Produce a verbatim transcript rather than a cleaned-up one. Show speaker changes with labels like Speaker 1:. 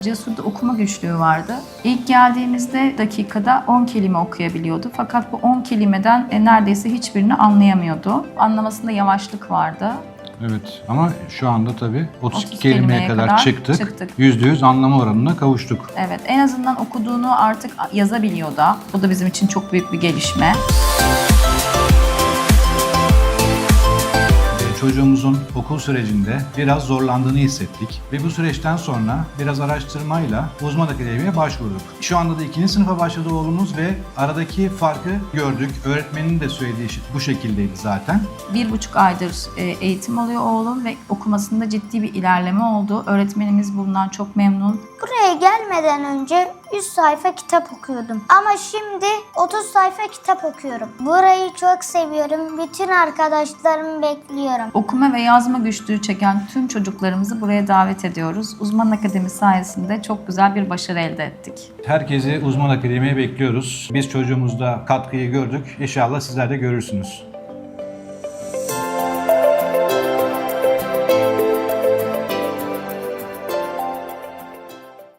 Speaker 1: Cesur'da okuma güçlüğü vardı. İlk geldiğimizde dakikada on kelime okuyabiliyordu. Fakat bu on kelimeden neredeyse hiçbirini anlayamıyordu. Anlamasında yavaşlık vardı.
Speaker 2: Evet ama şu anda tabii otuz iki
Speaker 1: otuz
Speaker 2: kelimeye
Speaker 1: kelimeye
Speaker 2: kadar,
Speaker 1: kadar
Speaker 2: çıktık.
Speaker 1: çıktık.
Speaker 2: yüzde yüz anlama oranına kavuştuk.
Speaker 1: Evet, en azından okuduğunu artık yazabiliyor da. Bu da bizim için çok büyük bir gelişme.
Speaker 2: Çocuğumuzun okul sürecinde biraz zorlandığını hissettik ve bu süreçten sonra biraz araştırmayla uzman akademiye başvurduk. Şu anda da ikinci sınıfa başladı oğlumuz ve aradaki farkı gördük. Öğretmenin de söylediği şey bu şekildeydi zaten.
Speaker 1: Bir buçuk aydır eğitim alıyor oğlum ve okumasında ciddi bir ilerleme oldu. Öğretmenimiz bundan çok memnun.
Speaker 3: Buraya gelmeden önce yüz sayfa kitap okuyordum. Ama şimdi otuz sayfa kitap okuyorum. Burayı çok seviyorum. Bütün arkadaşlarımı bekliyorum.
Speaker 1: Okuma ve yazma güçlüğü çeken tüm çocuklarımızı buraya davet ediyoruz. Uzman Akademi sayesinde çok güzel bir başarı elde ettik.
Speaker 2: Herkesi uzman akademiye bekliyoruz. Biz çocuğumuzda katkıyı gördük. İnşallah sizler de görürsünüz.